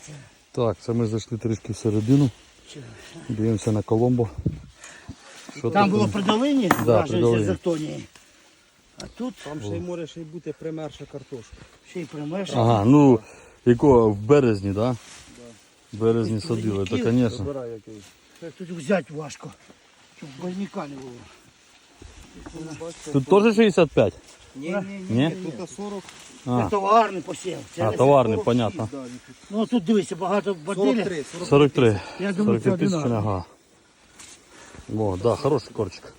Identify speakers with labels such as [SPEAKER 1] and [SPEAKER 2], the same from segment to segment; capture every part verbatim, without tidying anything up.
[SPEAKER 1] Так, це ми зайшли трішки всередину. Дивимося на Коломбо. Що
[SPEAKER 2] Там
[SPEAKER 1] тут
[SPEAKER 2] було при долині,
[SPEAKER 1] Да, при долині.
[SPEAKER 2] з Артонії. А тут
[SPEAKER 3] Там ще й може ще й бути примерша картошка.
[SPEAKER 2] ще й примеш.
[SPEAKER 1] Ага, ну якого в березні, так? Да? В березні садили, то звісно.
[SPEAKER 3] Забирай який.
[SPEAKER 2] Тут взяти важко, щоб больника не було.
[SPEAKER 1] Тут теж шістдесят п'ять?
[SPEAKER 3] Ні, ні,
[SPEAKER 1] Ні?
[SPEAKER 3] ні. Тут сорок.
[SPEAKER 1] А,
[SPEAKER 2] Це товарний посів. Це
[SPEAKER 1] а
[SPEAKER 2] не
[SPEAKER 1] товарний,
[SPEAKER 2] сорок.
[SPEAKER 1] понятно.
[SPEAKER 2] Ну тут дивися, багато бадилі.
[SPEAKER 3] сорок три.
[SPEAKER 1] сорок три.
[SPEAKER 2] Я думаю,
[SPEAKER 1] сорок три
[SPEAKER 2] це
[SPEAKER 1] тисячі,
[SPEAKER 2] одинаково.
[SPEAKER 1] ага. О, да, хороший корчик.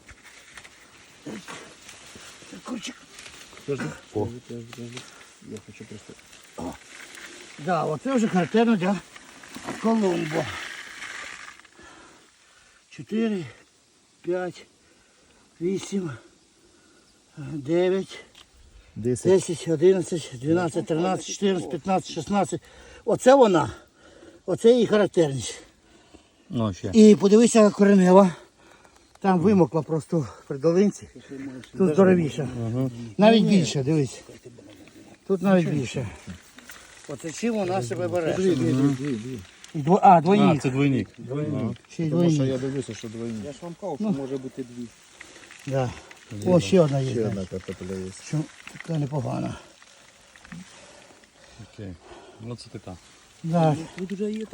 [SPEAKER 2] Курчик.
[SPEAKER 1] О.
[SPEAKER 3] Я хочу просто.
[SPEAKER 2] Да, оце вже характерно для Коломбо. чотири, п'ять, вісім, дев'ять, десять, одинадцять, дванадцять, тринадцять, чотирнадцять, п'ятнадцять, шістнадцять. Оце вона. Оце її характерність.
[SPEAKER 1] Ну, ще.
[SPEAKER 2] І подивися коренева. Там вимокла просто при долинці. Тут здоровіше. Навіть більше, дивись. Тут навіть більше. Оце чим вона себе бере. І дво- А,
[SPEAKER 1] А,
[SPEAKER 2] двойник.
[SPEAKER 1] це двойник.
[SPEAKER 2] Ще й
[SPEAKER 3] Тому що
[SPEAKER 2] двойник.
[SPEAKER 3] я дивлюся, що двойні. Я ж вам казав, що може бути дві.
[SPEAKER 2] Да. О, ще одна є.
[SPEAKER 3] Ще
[SPEAKER 2] знаєш.
[SPEAKER 3] одна картопля є.
[SPEAKER 2] Що така непогана.
[SPEAKER 1] Окей. Ну це така.
[SPEAKER 2] Да.
[SPEAKER 3] Тут вже є